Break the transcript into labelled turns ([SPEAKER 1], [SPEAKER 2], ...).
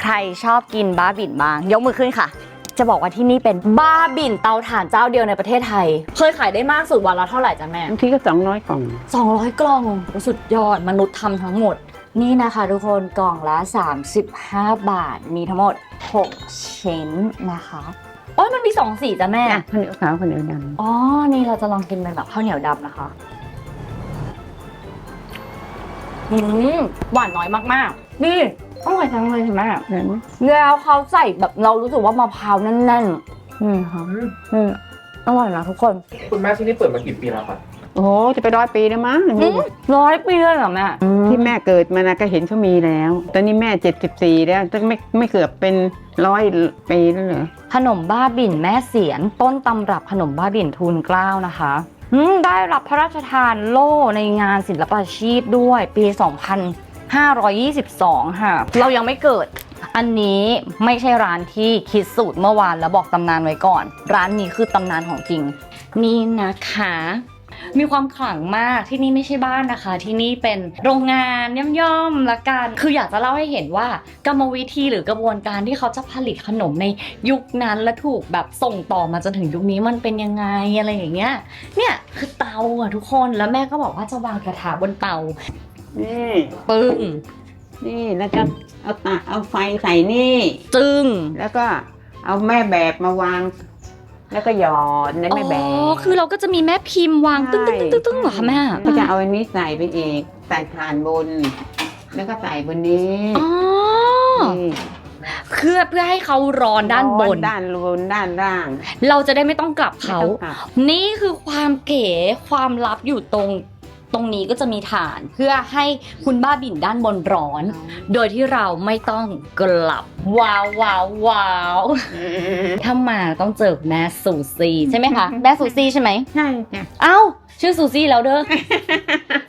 [SPEAKER 1] รชอบกินบ้าบิ่นบ้างยกมือขึ้นค่ะจะบอกว่าที่นี่เป็นบ้าบิ่นเตาถ่านเจ้าเดียวในประเทศไทยเคยขายได้มากสุดวันละเท่าไหร่จ๊ะแม่
[SPEAKER 2] บางทีก็200 กล่อง
[SPEAKER 1] 200 กล่องสุดยอดมนุษย์ทำทั้งหมดนี่นะคะทุกคนกล่องละ35 บาทมีทั้งหมด6ชิ้นนะคะอ๋อมันมี2สีจ้ะแม่
[SPEAKER 2] ข้าวเหนียวขาวข้าวเหนียวดำ
[SPEAKER 1] อ๋อนี่เราจะลองกินเป็นแบบข้าวเหนียวดำนะคะหวานน้อยมากๆนี่อร่อยจังเลยใช่ไหม
[SPEAKER 2] เห็นไหม
[SPEAKER 1] แล้วเขาใส่แบบเรารู้สึกว่ามะพร้าวแน่นๆนี่ค่ะอร่อยนะทุกคน
[SPEAKER 3] คุณแม่ที่นี่เปิดมากี่ปีแล้วครับ
[SPEAKER 2] โอ้โหจะไป100 ปีแล้วมั้ง
[SPEAKER 1] 100 ปีเลยเหรอแม่
[SPEAKER 2] ที่แม่เกิดมานะก็เห็นเขามีแล้ว ตอนนี้แม่74แล้วจะไม่เกือบเป็น100 ปีแล้วเหรอ
[SPEAKER 1] ขนมบ้าบิ่นแม่เสียนต้นตำรับขนมบ้าบิ่นทูลเกล้านะคะได้รับพระราชทานโล่ในงานศิลปาชีพด้วยปี 2522 ค่ะ เรายังไม่เกิด อันนี้ไม่ใช่ร้านที่คิดสูตรเมื่อวานแล้วบอกตำนานไว้ก่อน ร้านนี้คือตำนานของจริง นี่นะคะมีความขลังมากที่นี่ไม่ใช่บ้านนะคะที่นี่เป็นโรงงานย่อมๆละกันคืออยากจะเล่าให้เห็นว่ากรรมวิธีหรือกระบวนการที่เขาจะผลิตขนมในยุคนั้นและถูกแบบส่งต่อมาจนถึงยุคนี้มันเป็นยังไงอะไรอย่างเงี้ยเนี่ยคือเตาอะทุกคนแล้วแม่ก็บอกว่าจะวางกระทะบนเตา
[SPEAKER 2] นี่
[SPEAKER 1] ปึ้ง
[SPEAKER 2] นี่แล้วก็เอาไฟใส่นี่
[SPEAKER 1] จึ้ง
[SPEAKER 2] แล้วก็เอาแม่แบบมาวาง แล้วก็หยอดในแม่แบบ
[SPEAKER 1] อ๋อคือเราก็จะมีแม่พิมพ์วางตึ้งๆๆๆเหรอคะแม่
[SPEAKER 2] ก็จะเอาอันนี้ใส่ไปอีกใส่ฐานบน แล้วก็ใส่บนนี้
[SPEAKER 1] อ๋อ
[SPEAKER 2] นี่
[SPEAKER 1] เพื่อให้เขาร้อนด้านบน
[SPEAKER 2] ด้านบนด้านล่าง
[SPEAKER 1] เราจะได้ไม่ต้องกลับเขา
[SPEAKER 2] ไม่ต้องกลับ
[SPEAKER 1] นี่คือความเก๋ความลับอยู่ตรงนี้ก็จะมีฐาน เพื่อให้คุณบ้าบิ่นด้านบนร้อน โดยที่เราไม่ต้องกลับ ว้าวว้าวว้าวถ้ามาต้องเจอแม่ซูซี่ใช่ไหมคะ แม่ซูซี่ใช่ไหม
[SPEAKER 2] ใช่จ้ะ
[SPEAKER 1] เอ้าชื่อซูซี่แล้วเด้อ